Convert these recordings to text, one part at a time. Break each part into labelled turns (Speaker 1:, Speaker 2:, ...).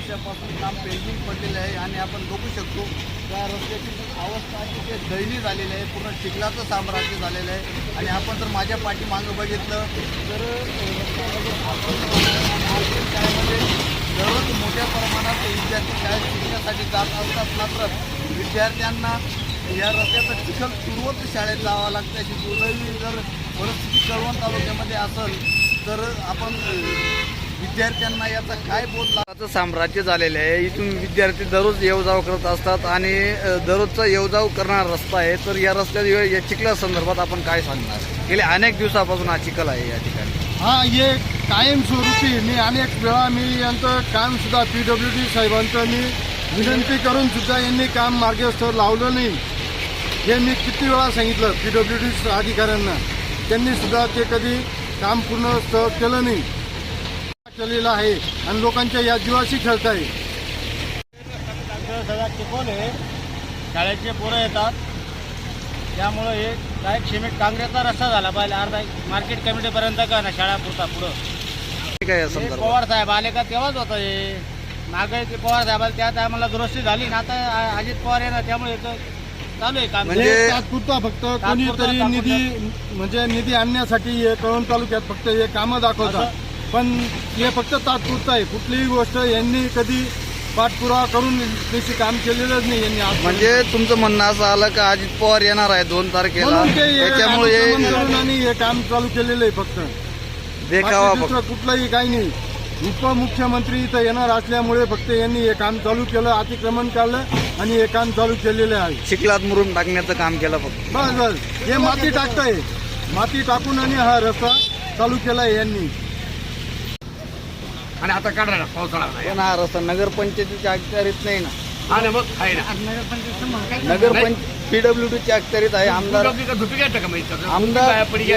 Speaker 1: वर्षापासून काम पेंडिंग पडलेलं आहे आणि आपण बघू शकतो त्या रस्त्याची अवस्था अतिशय दयनीय झालेली आहे. पूर्ण चिखलाचं साम्राज्य झालेलं आहे. आणि आपण जर माझ्या पाठीमागं बघितलं तर शाळेमध्ये दररोज मोठ्या प्रमाणात विद्यार्थी शाळेत शिकण्यासाठी जात असतात. मात्र विद्यार्थ्यांना या रस्त्याचं चिखल तुरवत शाळेत जावं लागतं. अशी दुर्दैवी जर परिस्थिती कळवण तालुक्यामध्ये असेल तर आपण विद्यार्थ्यांना याचा काय बोध लागायचं साम्राज्य झालेलं आहे. इथून विद्यार्थी दररोज येवजाव करत असतात आणि दररोजचा येवजाव करणारा रस्ता आहे. तर या रस्त्यात या चिखला संदर्भात आपण काय सांगणार? गेले अनेक दिवसापासून हा चिखल आहे या ठिकाणी.
Speaker 2: हा हे कायमस्वरूपी मी अनेक वेळा यांचं कामसुद्धा PWD साहेबांचं मी विनंती करून सुद्धा यांनी काम मार्गस्थ लावलं नाही. हे मी किती वेळा सांगितलं PWD अधिकाऱ्यांना, त्यांनी सुद्धा ते कधी काम पूर्ण केलं नाही केलेलं आहे आणि लोकांच्या या जीवाशी खेळत आहे.
Speaker 3: सगळा चिखल आहे, शाळेचे पोरं येतात, त्यामुळं हे काय सिमेंट काँग्रेसचा रस्ता झाला पाहिजे अर्धा मार्केट कमिटीपर्यंत का ना शाळा पुरता पुढं.
Speaker 1: काय
Speaker 3: पवार साहेब आले का तेव्हाच होतं हे मागे ते पवार साहेबाला त्या टायमाला दुरुस्ती झाली ना, आता अजित पवार येणार त्यामुळे चालू आहे काम.
Speaker 2: म्हणजे तात्पुरता फक्त कोणीतरी निधी आणण्यासाठी हे कळवण तालुक्यात फक्त हे कामं दाखवतात, पण हे फक्त तात्पुरतं आहे. कुठलीही गोष्ट यांनी कधी पाठपुरावा करून त्याची काम केलेलंच नाही यांनी.
Speaker 1: म्हणजे तुमचं म्हणणं असं आलं का अजित पवार येणार आहे 2 तारखेला, त्याच्यामुळे
Speaker 2: हे काम चालू केलेलं आहे. फक्त
Speaker 1: देखावा
Speaker 2: दुसरं कुठलंही काही नाही. उपमुख्यमंत्री इथं येणार असल्यामुळे फक्त यांनी हे काम चालू केलं, अतिक्रमण काढलं आणि हे काम चालू केलेलं आहे.
Speaker 1: चिखलात मुरुम टाकण्याचं काम केलं फक्त.
Speaker 2: बस हे माती टाकताय, माती टाकून आणि हा रस्ता चालू केलाय यांनी.
Speaker 4: आणि आता काढायला पावसाळा नाही.
Speaker 1: पण हा रस्ता नगरपंचायतीच्या अखत्यारीत नाही ना.
Speaker 4: आणि मग आहे ना
Speaker 1: नगरपंचायत PWDच्या अखत्यारीत आहे. आमदार
Speaker 4: धुपी काय टाका माहिती
Speaker 1: आमदार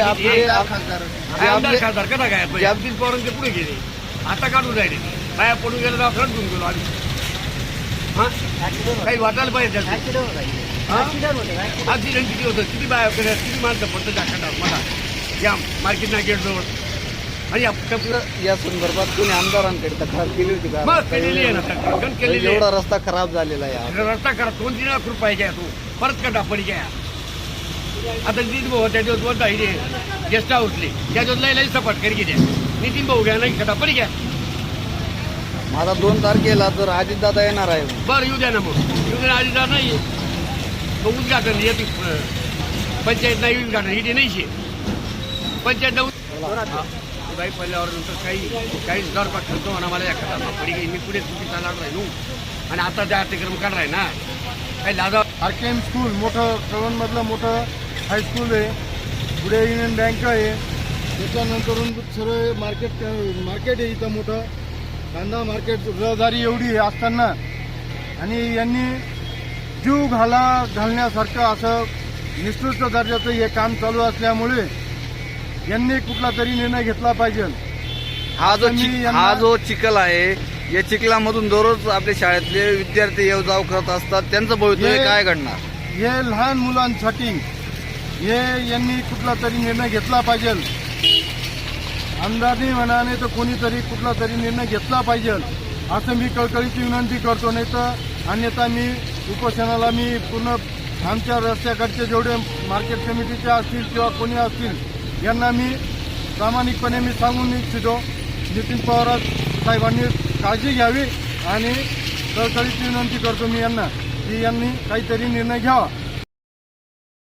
Speaker 4: खासदार कसा काय अब्दुल पवारांचे पुढे गेले, आता काढून राहिले. बाया पडून गेलं तर आपण घेऊन गेलो आम्ही. हा काही वाटायला पाहिजे ऍक्सिडेंट किती होतं, किती बाया किती माणसं पडतं जाखंडावर मला या मार्केट नाकेटजवळ. आणि
Speaker 1: या संदर्भात कोणी आमदारांकडे तक्रार केली होती का?
Speaker 4: मग केलेली आहे ना, तक्रार केलेली आहे.
Speaker 1: एवढा रस्ता खराब झालेला आहे.
Speaker 4: रस्ता करा 2-3 लाख रुपये घ्या, तू परत कटा पडी घ्या. आता नितीन भाऊ त्याच्यावर बोलता इथे गेस्ट हाऊसले त्याच्यावर लई सपाट करी द्या. नितीन भाऊ घ्या नाही कटा पडी घ्या.
Speaker 1: माझा 2 तारखेला तर अजितदादा येणार आहे.
Speaker 4: बरं येऊ द्या ना, मग येऊ द्या. अजितदादा नाही मग उद्घाटन येते पंचायत नाही, उद्घाटन इथे नाही पंचायत काही पडल्यावर नंतर काही दरपा ठरतो म्हणा मला एखादा पडी मी पुढे चुकीचा लाड राहिलो. आणि आता त्या अतिक्रम काढलाय ना काही लादा.
Speaker 2: RKM स्कूल मोठं कळवणमधलं मोठं हायस्कूल आहे, पुढे युनियन बँक आहे, त्याच्यानंतरून सर्व मार्केट आहे इथं मोठं कांदा मार्केट. रहदारी एवढी असताना आणि यांनी जीव घालण्यासारखं असं निष्ठुर दर्जाचं हे काम चालू असल्यामुळे यांनी कुठला तरी निर्णय घेतला पाहिजे.
Speaker 1: हा जो चिखल आहे या चिखलामधून दररोज आपल्या शाळेतले विद्यार्थी येवजाव करत असतात, त्यांचं भवितव्य काय घडणार?
Speaker 2: हे लहान मुलांसाठी हे यांनी कुठला तरी निर्णय घेतला पाहिजे. आमदारनी म्हणाने तर कोणीतरी कुठला तरी निर्णय घेतला पाहिजे असं मी कळकळीची विनंती करतो. नाही तर अन्यथा मी उपोषणाला मी पूर्ण आमच्या रस्त्याकडचे जेवढे मार्केट कमिटीचे असतील किंवा कोणी असतील यांना मी प्रामाणिकपणे मी सांगून इच्छितो, नितीन पवार साहेबांनी काळजी घ्यावी आणि कळकळीची विनंती करतो मी यांना की यांनी काहीतरी निर्णय घ्यावा.